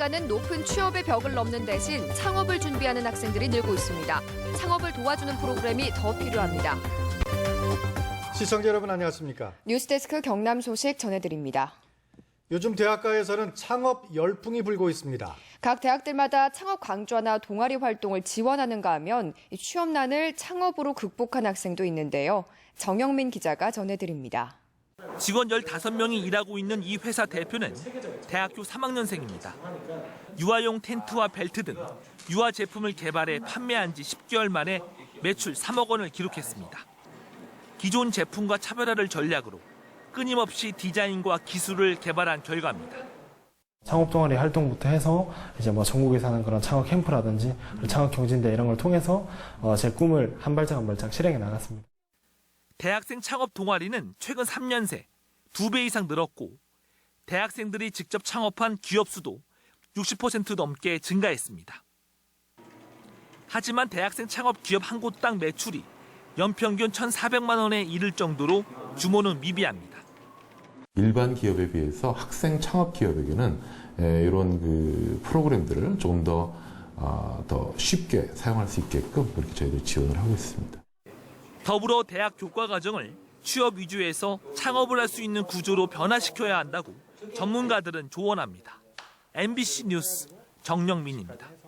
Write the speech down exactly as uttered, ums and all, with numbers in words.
대학가는 높은 취업의 벽을 넘는 대신 창업을 준비하는 학생들이 늘고 있습니다. 창업을 도와주는 프로그램이 더 필요합니다. 시청자 여러분 안녕하십니까? 뉴스데스크 경남 소식 전해드립니다. 요즘 대학가에서는 창업 열풍이 불고 있습니다. 각 대학들마다 창업 강좌나 동아리 활동을 지원하는가 하면 취업난을 창업으로 극복한 학생도 있는데요. 정영민 기자가 전해드립니다. 직원 열다섯 명이 일하고 있는 이 회사 대표는 대학교 삼 학년생입니다. 유아용 텐트와 벨트 등 유아 제품을 개발해 판매한 지 십 개월 만에 매출 삼억 원을 기록했습니다. 기존 제품과 차별화를 전략으로 끊임없이 디자인과 기술을 개발한 결과입니다. 창업 동아리 활동부터 해서 이제 뭐 전국에 사는 그런 창업 캠프라든지 창업 경진대 이런 걸 통해서 제 꿈을 한 발짝 한 발짝 실행해 나갔습니다. 대학생 창업 동아리는 최근 삼 년 새 두 배 이상 늘었고 대학생들이 직접 창업한 기업 수도 육십 퍼센트 넘게 증가했습니다. 하지만 대학생 창업 기업 한 곳당 매출이 연평균 천사백만 원에 이를 정도로 규모는 미비합니다. 일반 기업에 비해서 학생 창업 기업에게는 이런 그 프로그램들을 조금 더, 어, 더 쉽게 사용할 수 있게끔 그렇게 저희들이 지원을 하고 있습니다. 더불어 대학 교과 과정을 취업 위주에서 창업을 할 수 있는 구조로 변화시켜야 한다고 전문가들은 조언합니다. 엠비씨 뉴스 정영민입니다.